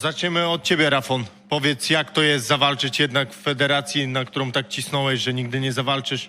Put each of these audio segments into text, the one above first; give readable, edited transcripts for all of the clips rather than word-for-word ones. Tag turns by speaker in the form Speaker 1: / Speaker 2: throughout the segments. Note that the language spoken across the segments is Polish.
Speaker 1: Zaczniemy od ciebie, Rafon. Powiedz, jak to jest zawalczyć jednak w federacji, na którą tak cisnąłeś, że nigdy nie zawalczysz?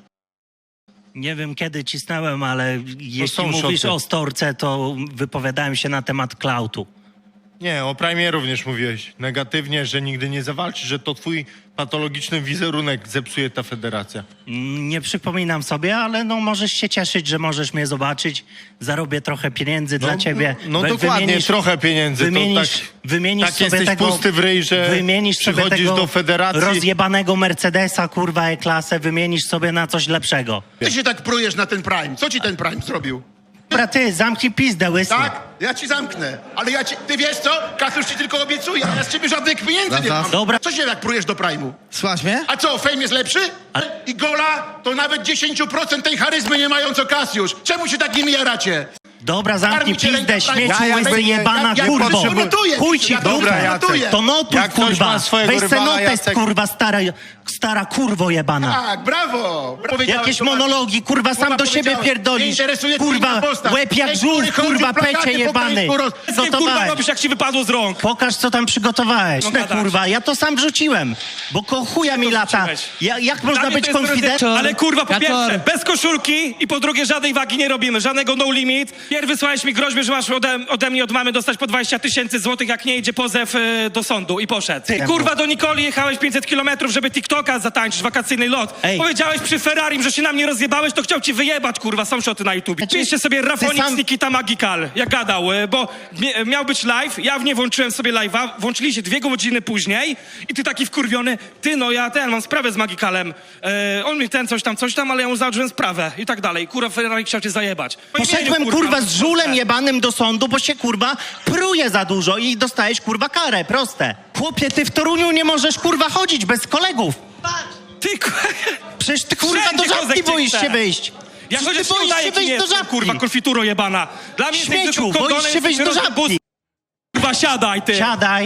Speaker 2: Nie wiem, kiedy cisnąłem, ale jeśli
Speaker 1: są
Speaker 2: mówisz
Speaker 1: szoty.
Speaker 2: o Storce, to wypowiadałem się na temat Klautu.
Speaker 1: Nie, o Prime również mówiłeś negatywnie, że nigdy nie zawalczysz, że to twój patologiczny wizerunek zepsuje ta federacja.
Speaker 2: Nie przypominam sobie, ale no możesz się cieszyć, że możesz mnie zobaczyć. Zarobię trochę pieniędzy dla ciebie.
Speaker 1: No dokładnie, trochę pieniędzy.
Speaker 2: Wymienisz
Speaker 1: tak
Speaker 2: sobie
Speaker 1: jesteś
Speaker 2: tego,
Speaker 1: pusty w ryj, że
Speaker 2: wymienisz sobie
Speaker 1: przychodzisz
Speaker 2: tego
Speaker 1: do federacji.
Speaker 2: rozjebanego Mercedesa, kurwa, E-klasę, wymienisz sobie na coś lepszego.
Speaker 3: Ty się tak prujesz na ten Prime. Co ci ten Prime zrobił?
Speaker 2: Dobra, ty, zamknij pizdę, łysy.
Speaker 3: Tak? Ja ci zamknę. Ale ja ci... Ty wiesz co? Kasiusz ci tylko obiecuje, a ja z ciebie żadnych pieniędzy nie mam.
Speaker 2: Dobra.
Speaker 3: Co się tak prujesz do Prime'u?
Speaker 4: Słuchasz mnie?
Speaker 3: A co, Fame jest lepszy? I Gola to nawet 10% tej charyzmy nie mają co Kasiusz. Czemu się tak nimi jaracie?
Speaker 2: Dobra, zamknij
Speaker 3: Karmicie
Speaker 2: pizdę,
Speaker 3: ręka
Speaker 2: śmieci,
Speaker 3: Prime'a.
Speaker 2: łysy, jebana, kurwo.
Speaker 3: notuję.
Speaker 2: Chuj ci,
Speaker 1: Dobra,
Speaker 2: kurwa.
Speaker 1: Jacek.
Speaker 2: To notuj,
Speaker 1: Jak ktoś
Speaker 2: kurwa.
Speaker 1: ma swojego
Speaker 2: Weź se
Speaker 1: rywala,
Speaker 2: notes,
Speaker 1: Jacek.
Speaker 2: kurwa, stara kurwo jebana.
Speaker 3: Tak, brawo. Powiedziałeś,
Speaker 2: Jakieś
Speaker 3: zobacz.
Speaker 2: monologi, kurwa, sam
Speaker 3: Kurwa,
Speaker 2: do siebie
Speaker 3: powiedziałeś. Nie
Speaker 2: pierdolisz.
Speaker 3: interesuje cię
Speaker 2: Kurwa,
Speaker 3: inna postać.
Speaker 2: łeb jak
Speaker 3: Ten,
Speaker 2: żółw,
Speaker 3: który chodzi
Speaker 2: kurwa,
Speaker 3: plakaty
Speaker 2: pecie
Speaker 3: po
Speaker 2: jebany.
Speaker 3: Gdańsku
Speaker 5: Kurwa,
Speaker 2: Gotowałeś.
Speaker 5: robisz, jak ci wypadło z rąk.
Speaker 2: Pokaż, co tam przygotowałeś.
Speaker 5: No
Speaker 2: No,
Speaker 5: gadasz.
Speaker 2: kurwa, ja to sam wrzuciłem. Bo chuja mi lata.
Speaker 5: wrzuciłeś?
Speaker 2: Jak
Speaker 5: Dla
Speaker 2: można
Speaker 5: mnie
Speaker 2: być
Speaker 5: to jest
Speaker 2: konfidentem?
Speaker 5: Ale kurwa, po
Speaker 4: Kaczor.
Speaker 5: pierwsze, bez koszulki i po drugie, żadnej wagi nie robimy, żadnego no limit. Pierw wysłałeś mi groźbę, że masz ode mnie, od mamy dostać po 20 000 złotych, jak nie idzie pozew do sądu i poszedł. I kurwa, do Nikoli jechałeś 500 kilometrów, żeby TikToka zatańczyć, wakacyjny lot.
Speaker 2: Ej.
Speaker 5: Powiedziałeś przy Ferrari, że się na mnie rozjebałeś, to chciał ci wyjebać, kurwa, są szoty na YouTubie.
Speaker 2: Znaczy,
Speaker 5: Piszcie sobie Rafonix
Speaker 2: sam-
Speaker 5: Nikita Magical, jak gadał, bo miał być live, ja w nie włączyłem sobie live'a, włączyli się 2 godziny później i ty taki wkurwiony, ty no ja mam sprawę z Magicalem, on mi coś tam, ale ja mu załatwiłem sprawę i tak dalej. Kurwa, Ferrari chciał cię zajebać.
Speaker 2: Poszedłem, kurwa, z żulem jebanym do sądu, bo się, kurwa, pruje za dużo i dostajesz, kurwa, karę. Proste. Chłopie, ty w Toruniu nie możesz, kurwa, chodzić bez kolegów.
Speaker 5: Ty,
Speaker 2: Przecież ty, kurwa,
Speaker 5: Wszędzie
Speaker 2: do żabki
Speaker 5: kozek cię
Speaker 2: boisz
Speaker 5: chce.
Speaker 2: się wyjść.
Speaker 5: ja
Speaker 2: Przecież
Speaker 5: chociaż
Speaker 2: ty
Speaker 5: nie
Speaker 2: boisz
Speaker 5: udaję
Speaker 2: się
Speaker 5: ci nie
Speaker 2: wyjść do
Speaker 5: jestem,
Speaker 2: żabki.
Speaker 5: kurwa, konfituro jebana. Dla mnie jesteś
Speaker 2: Śmieciu,
Speaker 5: tylko kondonem,
Speaker 2: boisz się wyjść do
Speaker 5: jesteś
Speaker 2: żabki.
Speaker 5: rozjebus- Kurwa, siadaj, ty.
Speaker 2: Siadaj.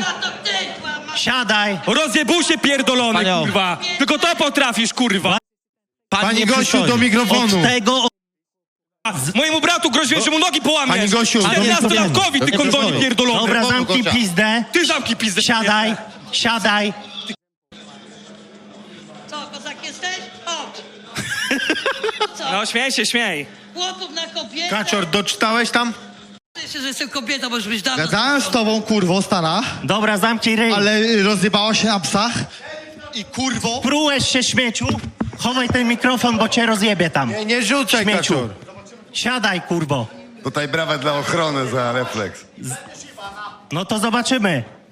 Speaker 2: Siadaj.
Speaker 5: Rozjebusie pierdolony,
Speaker 4: Panią.
Speaker 5: kurwa. Tylko to potrafisz, kurwa.
Speaker 1: Pani
Speaker 4: nie
Speaker 1: Gosiu,
Speaker 4: przystojny.
Speaker 1: do mikrofonu.
Speaker 2: Od tego...
Speaker 5: Mojemu bratu groziłeś, że mu nogi połamiesz.
Speaker 1: Pani Gosiu, do
Speaker 5: 14-latkowi, ty kondonie pierdolony.
Speaker 2: Dobra, zamknij
Speaker 1: Gosia.
Speaker 2: pizdę.
Speaker 5: Ty zamknij pizdę.
Speaker 2: Siadaj. Siadaj.
Speaker 6: Co, kozak jesteś? Chodź. Co?
Speaker 5: No, śmiej się, śmiej.
Speaker 6: Chłopów na kobietę?
Speaker 1: Kaczor, doczytałeś tam?
Speaker 6: Ty się, że jestem kobietą, możesz być dawno.
Speaker 4: Gadałem z tobą, kurwo, stara,
Speaker 2: Dobra, zamknij ryj.
Speaker 4: ale rozjebała się na psach. I kurwo...
Speaker 2: Prułeś się, śmieciu. Chowaj ten mikrofon, bo cię rozjebie tam.
Speaker 1: Nie rzucaj,
Speaker 2: Śmieciu.
Speaker 1: Kaczor.
Speaker 2: Siadaj, kurwo.
Speaker 7: Tutaj brawa dla ochrony za refleks.
Speaker 2: No to zobaczymy.